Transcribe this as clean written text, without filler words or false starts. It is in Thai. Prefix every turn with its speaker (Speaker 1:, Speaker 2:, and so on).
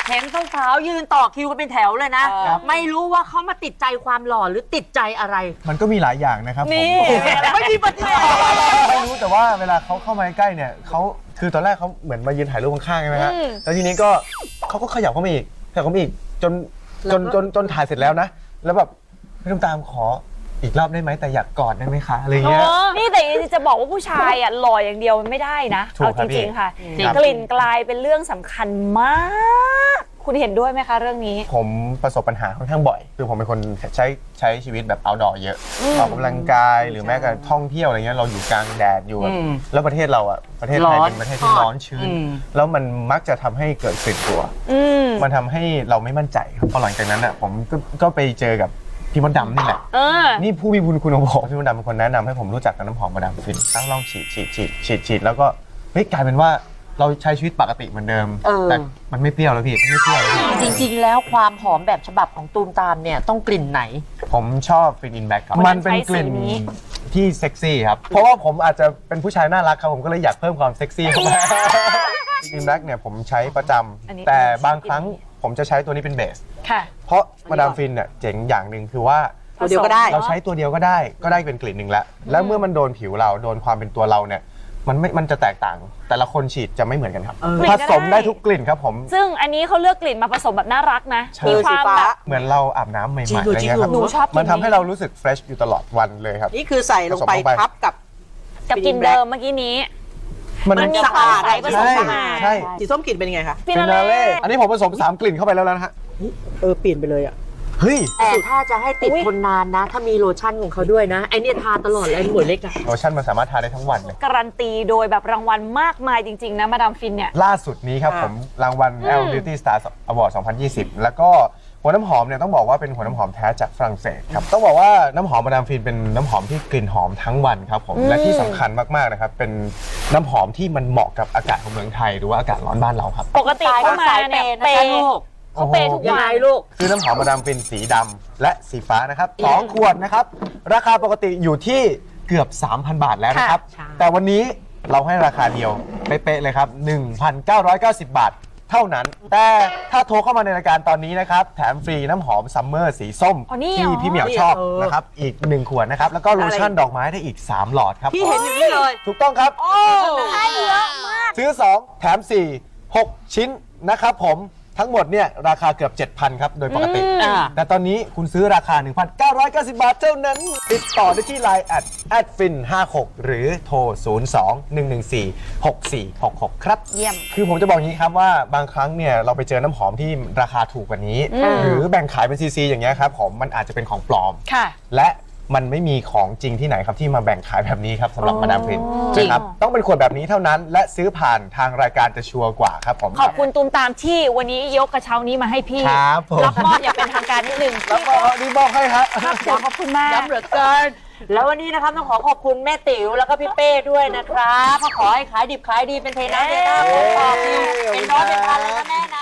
Speaker 1: เห็นสาวๆยืนต่อคิวกันเป็นแถวเลยนะ ไม่รู้ว่าเขามาติดใจความหล่อหรือติดใจอะไร
Speaker 2: มันก็มีหลายอย่างนะครับผม
Speaker 1: ไม่มีปฏิเสธ
Speaker 2: ไม่รู้แต่ว่าเวลาเขาเข้ามาใกล้เนี่ยเขาคือตอนแรกเขาเหมือนมายืนถ่ายรูปข้างๆใช่ไหมฮะแล้วทีนี้ก็เขาก็ขยับเข้ามาอีกขยับเข้ามาอีกจนถ่ายเสร็จแล้วนะแล้วแบบพี่ตุ้มตามขออีกรอบได้ไหมแต่อยากกอดได้ไหมคะอะไรเงี้ย
Speaker 3: นี่แต่จะบอกว่าผู้ชายอ่ะหล่ออย่างเดียวมันไม่ได้นะ
Speaker 2: ถู
Speaker 3: เอา
Speaker 2: กค
Speaker 3: จ
Speaker 2: รับ
Speaker 3: ริงๆค่ะ
Speaker 2: พี่ครับ
Speaker 3: กลิ่นกลายเป็นเรื่องสำคัญมาก คุณเห็นด้วยไหมคะเรื่องนี้
Speaker 2: ผมประสบปัญหาค่อนข้างบ่อยคือผมเป็นคนใช้ชีวิตแบบ outdoor เยอะออกกำลังกายหรือแม้กระทั่งท่องเที่ยวอะไรเงี้ยเราอยู่กลางแดดอยู่แบบแล้วประเทศเราอ่ะประเทศไทยเป็นประเทศที่ร้อนชื้นแล้วมันมักจะทำให้เกิดกลิ่นตัวมันทำให้เราไม่มั่นใจครับพอหลังจากนั้นอ่ะผมก็ไปเจอกับพี่มดดำนี่แหละนี่ผู้มีบุญคุณของผมพี่มดดำเป็นคนแนะนำให้ผมรู้จักกับน้ำหอมมาดามฟินลองฉีดแล้วก็เฮ้ยกลายเป็นว่าเราใช้ชีวิตปกติเหมือนเดิมแต่มันไม่เปรี้ยวแล้วพี่ไม่เปรี้ยวแล้วพี่
Speaker 1: จริงๆแล้วความหอมแบบฉบับของตูมตามเนี่ยต้องกลิ่นไหน
Speaker 2: ผมชอบฟินอินแบ็กครับ
Speaker 3: วั
Speaker 2: มัน
Speaker 3: นนั้น
Speaker 2: เป็นกลิ่น
Speaker 3: ใช้สีนี้
Speaker 2: ที่เซ็กซี่ครับเพราะว่าผมอาจจะเป็นผู้ชายน่ารักครับผมก็เลยอยากเพิ่มความเซ็กซี่เข้ามาฟินอินแบ็กเนี่ยผมใช้ประจำแต่บางครั้งผมจะใช้ตัวนี้เป็นเบส
Speaker 3: ค่ะ
Speaker 2: เพราะมาดามฟินเนี่ยเจ๋งอย่างหนึ่งคือว่า
Speaker 1: ตัวเดียวก็ได้
Speaker 2: เราใช้ตัวเดียวก็ได้เป็นกลิ่นหนึ่งแล้วแล้วเมื่อมันโดนผิวเราโดนความเป็นตัวเราเนี่ยมันจะแตกต่างแต่ละคนฉีดจะไม่เหมือนกันครับผสมได้ทุกกลิ่นครับผม
Speaker 3: ซึ่งอันนี้เขาเลือกกลิ่นมาผสมแบบน่ารักนะ
Speaker 2: ใช่
Speaker 3: มีความแบบ
Speaker 2: เหมือนเราอาบน้ำใหม่ๆอะไรเงี้ยครับ
Speaker 3: หนูชอบกลิ่นนี้
Speaker 2: มันทำให้เรารู้สึกเฟรชอยู่ตลอดวันเลยครับ
Speaker 4: นี่คือใส่ลงไป
Speaker 2: ผสมลงไป
Speaker 4: ทับกับ
Speaker 3: กับกลิ่นเดิมเมื่อกี้นี้ มันมีความใสผสมเข้ามา
Speaker 2: ใช่
Speaker 4: สีส้มกลิ่นเป็นยังไงคะ
Speaker 3: ฟิ
Speaker 2: ฟิ
Speaker 3: นา
Speaker 2: นา
Speaker 3: เล่
Speaker 2: เล่อันนี้ผมผสม3กลิ่นเข้าไปแล้วนะฮะ
Speaker 4: เปลี่ยนไปเลยอ่ะ
Speaker 2: เฮ้ย
Speaker 1: แต่ถ้าจะให้ติดทนนานนะ ถ้ามีโลชั่นของเขาด้วยนะไอเนี่ยทาตลอดเลยหมวยเล็กอะ
Speaker 2: โลชั่นมันสามารถทาได้ทั้งวันเลย
Speaker 3: การันตีโดยแบบรางวัลมากมายจริงๆนะมาดามฟินเนี่ย
Speaker 2: ล่าสุดนี้ครับผมรางวัล L Beauty Star Award 2020 แล้วก็หัวน้ำหอมเนี่ยต้องบอกว่าเป็นหัวน้ำหอมแท้จากฝรั่งเศสครับต้องบอกว่าน้ำหอมมาดามฟินเป็นน้ำหอมที่กลิ่นหอมทั้งวันครับผมและที่สำคัญมากๆนะครับเป็นน้ำหอมที่มันเหมาะกับอากาศของเมืองไทยหรือว่าอากาศร้อนบ้านเราครับ
Speaker 3: ปกติเข้ามาเนี่ยเปย์เขาเปย์ทุก
Speaker 1: ยัง
Speaker 3: วั
Speaker 1: ไง
Speaker 3: น
Speaker 1: ลูก
Speaker 2: คือน้ำหอมมาดามฟินสีดำและสีฟ้านะครับ2ขวดนะครับราคาปกติอยู่ที่เกือบ 3,000 บาทแล้วนะครับ
Speaker 1: ใช่
Speaker 2: แต่วันนี้เราให้ราคาเดียวเป๊ะๆเลยครับ 1,990 บาทเท่านั้น แต่ถ้าโทรเข้ามาในรายการตอนนี้นะครับแถมฟรีน้ำหอมซัมเมอร์สีส้ม
Speaker 3: อ๋อนี่
Speaker 2: ที่
Speaker 3: เหรอ
Speaker 2: พี่เหมียวชอบนะครับอีก1ขวดนะครับแล้วก็โลชั่นดอกไม้ได้อีก3หลอดครับ
Speaker 4: พี่เห็นอยู่นี่เลย
Speaker 2: ถูกต้องครับ
Speaker 3: ให้เยอะมาก
Speaker 2: ซื้อ 2 แถม 4 6 ชิ้นนะครับผมทั้งหมดเนี่ยราคาเกือบ 7,000 ครับ โดยปกติ แต่ตอนนี้คุณซื้อราคา 1,990 บาทเท่านั้น ติดต่อได้ที่ Line @fin56 หรือโทร 02-114-6466 ครับ
Speaker 3: เยี่ยม
Speaker 2: คือผมจะบอกอย่างนี้ครับว่าบางครั้งเนี่ยเราไปเจอน้ำหอมที่ราคาถูกกว่านี้ หรือแบ่งขายเป็นซีอย่างเงี้ยครับผมมันอาจจะเป็นของปลอม
Speaker 3: ค่ะ
Speaker 2: และมันไม่มีของจริงที่ไหนครับที่มาแบ่งขายแบบนี้ครับสำหรับมาดามฟิน
Speaker 3: จริง
Speaker 2: นะครับต้องเป็นขวดแบบนี้เท่านั้น และซื้อผ่านทางรายการจะชัวร์กว่าครับผม
Speaker 3: ขอบคุณตูมตามที่วันนี้ยกกระเช้านี้มาให้พี่
Speaker 2: ครับผม
Speaker 3: รับมอบอย่างเป็นทางการนิดนึง
Speaker 2: แล้วก็นี่บอกให้ครับ
Speaker 3: ครับผมขอบคุณมาก
Speaker 1: ย้ำเหลือเกิน แล้ววันนี้นะครับต้องขอขอบคุณแม่ติ๋วแล้วก็พี่เป้ด้วยนะครับขอให้ขายดิบขายดีเป็นเทน้ำเทท่าเป็นปอบดีเป็นน้องเป็นพันเลยนะแม่นะ